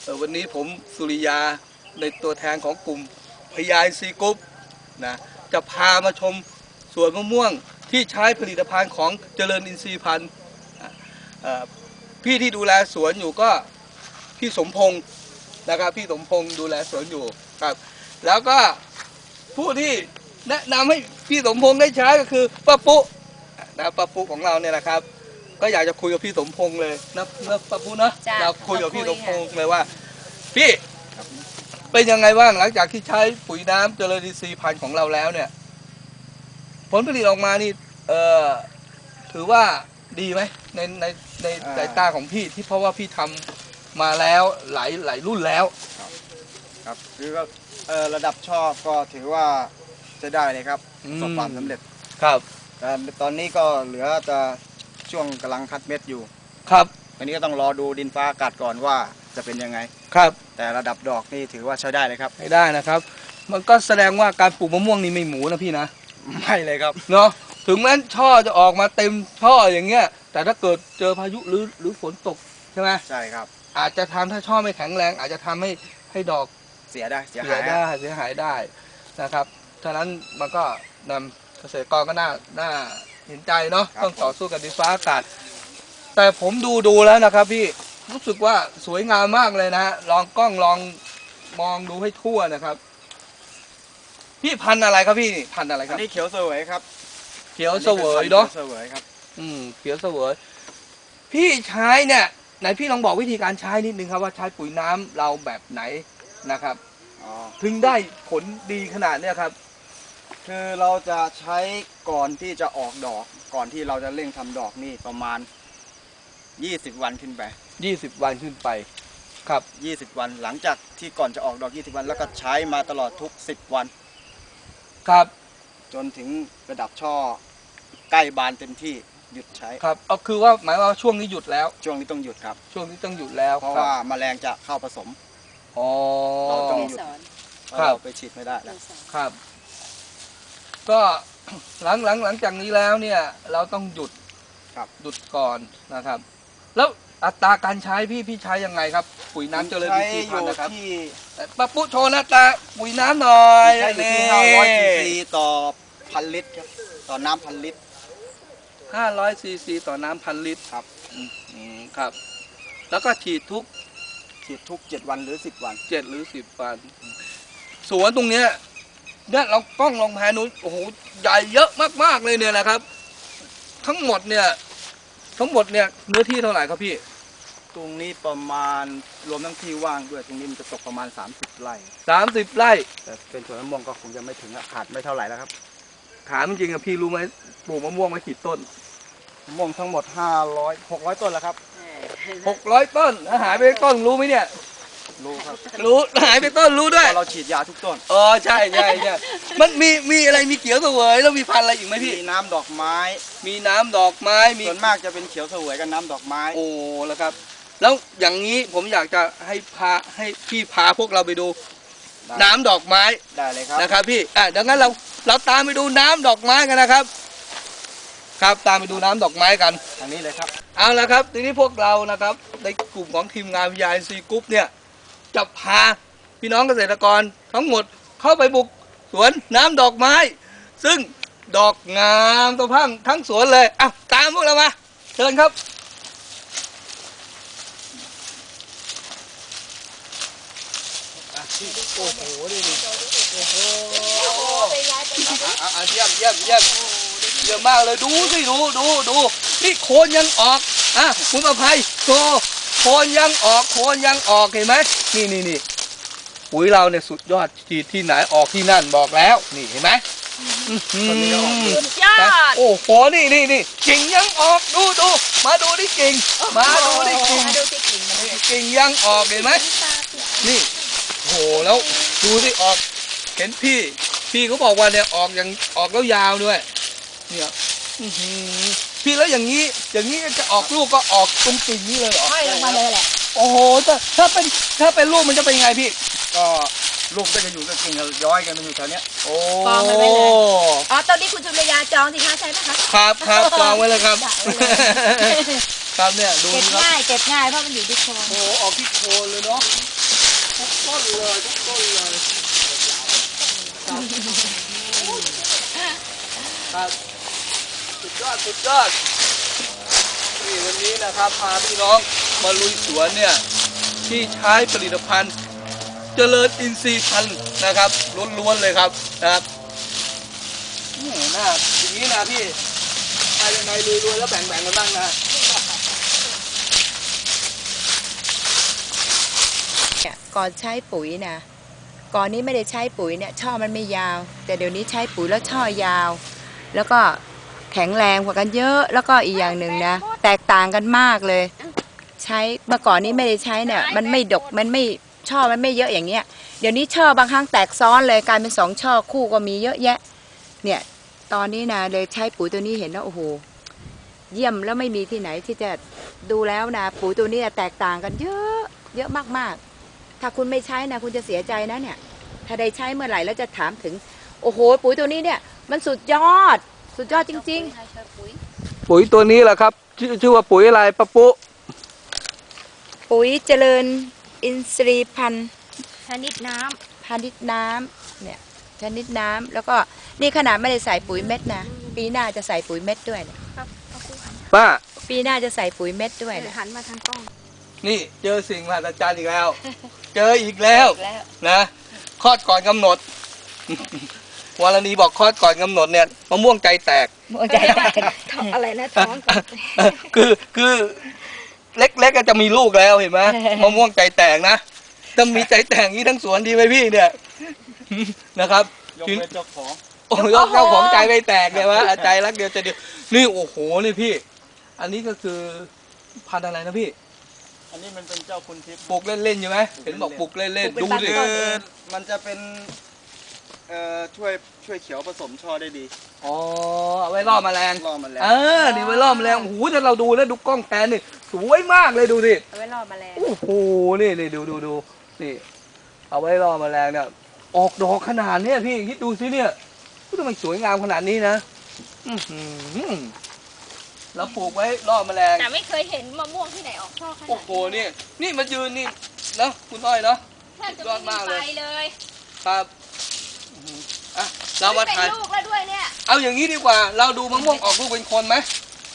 วันนี้ผมสุริยาในตัวแทนของกลุ่มพยายซีกรุ๊ปนะจะพามาชมสวนมะม่วงที่ใช้ผลิตภัณฑ์ของเจริญอินทรีย์พันธุ์พี่ที่ดูแลสวนอยู่ก็พี่สมพงศ์นะครับพี่สมพงศ์ดูแลสวนอยู่ครับแล้วก็ผู้ที่แนะนำให้พี่สมพงศ์ได้ใช้ก็คือป้าปุ๊นะป้าปุ๊ของเราเนี่ยนะครับก็อยากจะคุยกับพี่สมพงศ์เลยนะป้าปุ๊นะเราคุยกับพี่สมพงศ์เลยว่าพี่เป็นยังไงบ้างหลังจากที่ใช้ปุ๋ยน้ำเจริญอินทรีย์พันธุ์ของเราแล้วเนี่ยผลผลิตออกมานี่ถือว่าดีไหมในสายตาของพี่ที่เพราะว่าพี่ทำมาแล้วหลายรุ่นแล้วครับคือก็ระดับชอบก็ถือว่าจะได้เลยครับประสบความสำเร็จครับแต่ตอนนี้ก็เหลือจะช่วงกำลังคัดเม็ดอยู่ครับอันนี้ก็ต้องรอดูดินฟ้าอากาศก่อนว่าจะเป็นยังไงครับแต่ระดับดอกนี่ถือว่าใช้ได้เลยครับให้ได้นะครับมันก็แสดงว่าการปลูกมะม่วงนี่ไม่หมูนะพี่นะไม่เลยครับเนาะถึงแม้ช่อจะออกมาเต็มช่ออย่างเงี้ยแต่ถ้าเกิดเจอพายุหรือฝนตกใช่ไหมใช่ครับอาจจะทำถ้าช่อไม่แข็งแรงอาจจะทำให้ดอกเสียได้เสียหายได้นะครับฉะนั้นมันก็นำเกษตรกรก็น่าเห็นใจเนาะต้องต่อสู้กับดินฟ้าอากาศแต่ผมดูแล้วนะครับพี่รู้สึกว่าสวยงามมากเลยนะฮะลองกล้องลองมองดูให้ทั่วนะครับพี่พันธุ์อะไรครับพี่พันธุ์อะไรครับนี่เขียวเสวยครับเขียวเสวยเนาะเขียวเสวยครับเขียวเสวยพี่ใช้เนี่ยไหนพี่ลองบอกวิธีการใช้นิดนึงครับว่าใช้ปุ๋ยน้ำเราแบบไหนนะครับถึงได้ผลดีขนาดเนี้ยครับคือเราจะใช้ก่อนที่จะออกดอกก่อนที่เราจะเร่งทำดอกนี่ประมาณ20 วันขึ้นไป 20 วันขึ้นไปครับ 20 วันหลังจากที่ก่อนจะออกดอก20 วันแล้วก็ใช้มาตลอดทุก10 วันครับจนถึงระดับช่อใกล้บานเต็มที่หยุดใช้ครับเอาคือว่าหมายว่าช่วงนี้หยุดแล้วช่วงนี้ต้องหยุดครับช่วงนี้ต้องหยุดแล้วเพราะว่าแมลงจะเข้าผสมเราต้องหยุดเราไปฉีดไม่ได้แล้วครับก็หลังจากนี้แล้วเนี่ยเราต้องหยุดก่อนนะครับแล้วอัตราการใช้พี่ใช้ยังไงครับปุ๋ยน้ำเจริญอินทรีย์พันธุ์นะครับป้าปุ๊โชว์หน้าตาปุ๋ยน้ำหน่อยใช้อยู่ที่500 ซีซีต่อ1,000 ลิตรครับต่อน้ำ1,000 ลิตร 500 ซีซีต่อน้ำ1,000 ลิตรครับครับแล้วก็ฉีดทุก 7 วันหรือ10 วัน 7 หรือ 10 วันสวนตรงเนี้ยเนี่ยเรากล้องลองแพนนู้นโอ้โหใหญ่เยอะมากๆเลยเนี่ยนะครับทั้งหมดเนี่ยเนื้อที่เท่าไหร่ครับพี่ตรงนี้ประมาณรวมทั้งที่ว่างด้วยตรงนี้มันจะตกประมาณ30 ไร่ 30 ไร่แต่เป็นสวนมะม่วงก็คงจะไม่ถึงขาดไม่เท่าไหร่แล้วครับถามจริงๆอะพี่รู้ไหมปลูกมะม่วงมากี่ต้นมะม่วงทั้งหมด600 ต้นแล้วครับ 600 ต้นหายไปต้นรู้ไหมเนี่ยรู้ครับรู้หายไปต้นรู้ด้วยเราฉีดยาทุกต้นใช่มันมีอะไรมีเขียวเสวยแล้วมีพันธุ์อะไรอีกไหมพี่มีน้ำดอกไม้ส่วนมากจะเป็นเขียวเสวยกับน้ำดอกไม้แล้วครับแล้วอย่างนี้ผมอยากจะให้พี่พาพวกเราไปดูน้ำดอกไม้ได้เลยครับนะครับพี่ดังนั้นเราตามไปดูน้ำดอกไม้กันนะครับครับตามไปดูน้ำดอกไม้กันทางนี้เลยครับเอาละครับทีนี้พวกเรานะครับในกลุ่มของทีมงานวิทยาซีกรุ๊ปเนี่ยจะพาพี่น้องเกษตรกรทั้งหมดเข้าไปบุกสวนน้ำดอกไม้ซึ่งดอกงามตัวพังทั้งสวนเลยตามพวกเรามาเชิญครับโอ้โหนี่โอ้โหเยี่ยมมากเลยดูสิดูนี่โคนยังออกคุณประภัยโชว์โคนยังออกเห็นไหมนี่ปุ๋ยเราเนี่ยสุดยอดฉีดที่ไหนออกที่นั่นบอกแล้วนี่เห็นไหมสุดยอดโอ้โหนี่กิ่งยังออกดูมาดูที่กิ่งกิ่งยังออกเห็นไหมนี่โอ้โหแล้วดูสิออกเห็นพี่เขาบอกว่าเนี่ยออกแล้วยาวด้วยเนี่ยพี่แล้วอย่างนี้จะออกลูกก็ออกตรงกิ่งนี้เลยเหรอห้อยลงมาเลยแหละโอ้โหถ้าเป็นลูกมันจะเป็นไงพี่ก็ลูกก็จะอยู่กับกิ่งย้อยกันมันอยู่แถวนี้กองไว้เลยตอนนี้คุณสุริยาจองสิคะใช่ไหมคะครับจองไว้เลยครับครับเนี่ยดูเก็บง่ายเพราะมันอยู่ที่โคนโอ้ออกที่โคนเลยเนาะเลยทุกต้นเลยครับสุดยอดสุดยอดนี่วันนี้นะครับพาพี่น้องมาลุยสวนเนี่ยที่ใช้ผลิตภัณฑ์เจริญอินทรีย์พันธุ์นะครับล้วนๆเลยครับนะครับนี่นะอย่างนี้นะพี่ใครยังไงรวยๆแล้วแบ่งกันบ้างนะก่อนใช้ปุ๋ยนะก่อนนี้ไม่ได้ใช้ปุ๋ยเนี่ยช่อมันไม่ยาว แต่เดี๋ยวนี้ใช้ปุ๋ยแล้วช่อยาว แล้วก็แข็งแรงกว่ากันเยอะแล้วก็อีกอย่างหนึ่งนะแตกต่างกันมากเลย ใช้เมื่อก่อนนี้ไม่ได้ใช้เนี่ยมันไม่ดกมันไม่ช่อมันไม่เยอะอย่างเงี้ยเดี๋ยวนี้ช่อบางครั้งแตกซ้อนเลยกลายเป็น2 ช่อคู่ก็มีเยอะแยะเนี่ยตอนนี้นะเลยใช้ปุ๋ยตัวนี้เห็นแล้วโอ้โหเยี่ยมแล้วไม่มีที่ไหนที่จะดูแล้วนะปุ๋ยตัวนี้แตกต่างกันเยอะเยอะมากๆถ้าคุณไม่ใช้นะคุณจะเสียใจนะเนี่ยถ้าได้ใช้เมื่อไหร่แล้วจะถามถึงโอ้โหปุ๋ยตัวนี้เนี่ยมันสุดยอดจริงๆปุ๋ยตัวนี้แหละครับชื่อว่าปุ๋ยอะไรปะปุ๊ปุ๋ยเจริญอินทรีย์พันธุ์ชนิดน้พาณิชย์น้ำเนี่ยชนิดน้ำแล้วก็นี่ขนาดไม่ได้ใส่ปุ๋ยเม็ดนะปีหน้าจะใส่ปุ๋ยเม็ดด้วยเนี่ยำครับเอาคู่หันป้าปีหน้าจะใส่ปุ๋ยเม็ดด้วยเนี่ยหันมาทางกล้องนี่เจอสิ่งมหัศจรรย์อีกแล้ว เจออีกแล้วแล้วนะคลอดก่อนกำหนด วรณีบอกคลอดก่อนกำหนดเนี่ยมะม่วงใจแตกหัวใจแตกอะไรนะท้องก่อนคือเล็กๆก็จะมีลูกแล้วเห็นไหมมะม่วงใจแตกนะต้องมีใจแตกนี้ทั้งสวนดีไหมพี่เนี่ย นะครับยกเว้นเจ้าของโอ้ยเจ้าของใจไม่แตกเลยวะใจรักเดียวใจเดียวนี่โอ้โหนี่พี่ อันนี้ก็คือพันธุ์อะไรนะพี่อันนี้มันเป็นเจ้าคุณทิพย์ปลูกเล่นๆใช่ไหมเห็นบอกปลูกเล่นๆดูดิคือมันจะเป็นช่วยเขียวผสมช่อได้ดีอ๋อเอาไว้ล่อแมลงล่อมันแล้วนี่ไว้ล่อแมลงโอ้โหถ้าเราดูแล้วดูกล้องแพนนี่สวยมากเลยดูดิเอาไว้ล่อแมลงโอ้โหนี่ดูนี่เอาไว้ล่อแมลงเนี่ยออกดอกขนาดเนี้ยพี่คิดดูสิเนี่ยทำไมสวยงามขนาดนี้นะเราปลูกไว้ล่อแมลงแต่ไม่เคยเห็นมะม่วงที่ไหนออกช่อขนาดโอ้โหนี่มายืนนี่เนาะคุณอ้อยเนาะแทบจะไม่มีไฟเลยครับอ่ะเรามาเป็นถ่ายลูกแล้วด้วยเนี่ยเอาอย่างนี้ดีกว่า เราดูมะม่วงออกลูกเป็นคนไหม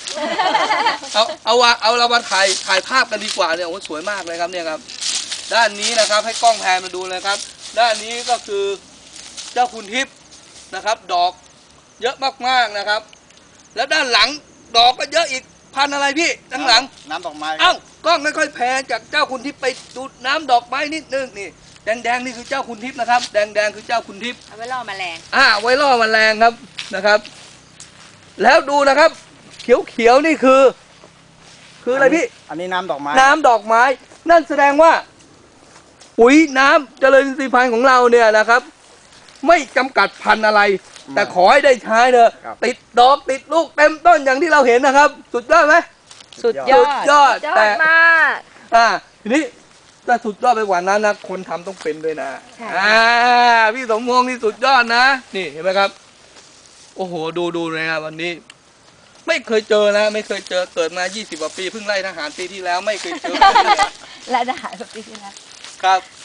เอาเรามาถ่ายภาพกันดีกว่าเนี่ยโอ้สวยมากเลยครับเนี่ยครับ ด้านนี้นะครับให้กล้องแพนมาดูเลยครับ ด้านนี้ก็คือเจ้าคุณทิพย์นะครับ ดอกเยอะมากๆนะครับ แล้วด้านหลังดอกก็เยอะอีกพันอะไรพี่ด้านหลังน้ำดอกไม้เอ้ากล้องค่อยๆแพนจากเจ้าคุณทิพย์ไปดูน้ำดอกไม้นิดนึงนี่แดงๆนี่คือเจ้าคุณทิพย์นะครับแดงๆคือเจ้าคุณทิพย์เอาไว้ล่อแมลงไว้ล่อแมลงครับนะครับ แล้วดูนะครับ เขียวๆนี่คืออะไรพี่อันนี้น้ำดอกไม้น้ำดอกไม้ นั่นแสดงว่า ปุ๋ยน้ำเจริญอินทรีย์พันธุ์ของเราเนี่ยนะครับ ไม่จำกัดพันธุ์อะไร แต่ขอให้ได้ใช้เถอะติดดอกติดลูกเต็มต้นอย่างที่เราเห็นนะครับ สุดยอดไหมสุดยอดยอดยอแต่ดมากทีนี้ถ้าสุดยอดไปกว่านั้นนะคนทำต้องเป็นด้วยนะใช่พี่สมพงษ์นี่สุดยอดนะ นี่เห็นไหมครับ โอ้โหดูเลยนะวันนี้ ไม่เคยเจอนะไม่เคยเจอเกิดมา20 กว่าปีเพิ่งไล่ทหารปีที่แล้วไม่เคยเจอและทหารปีที่แล้วครับ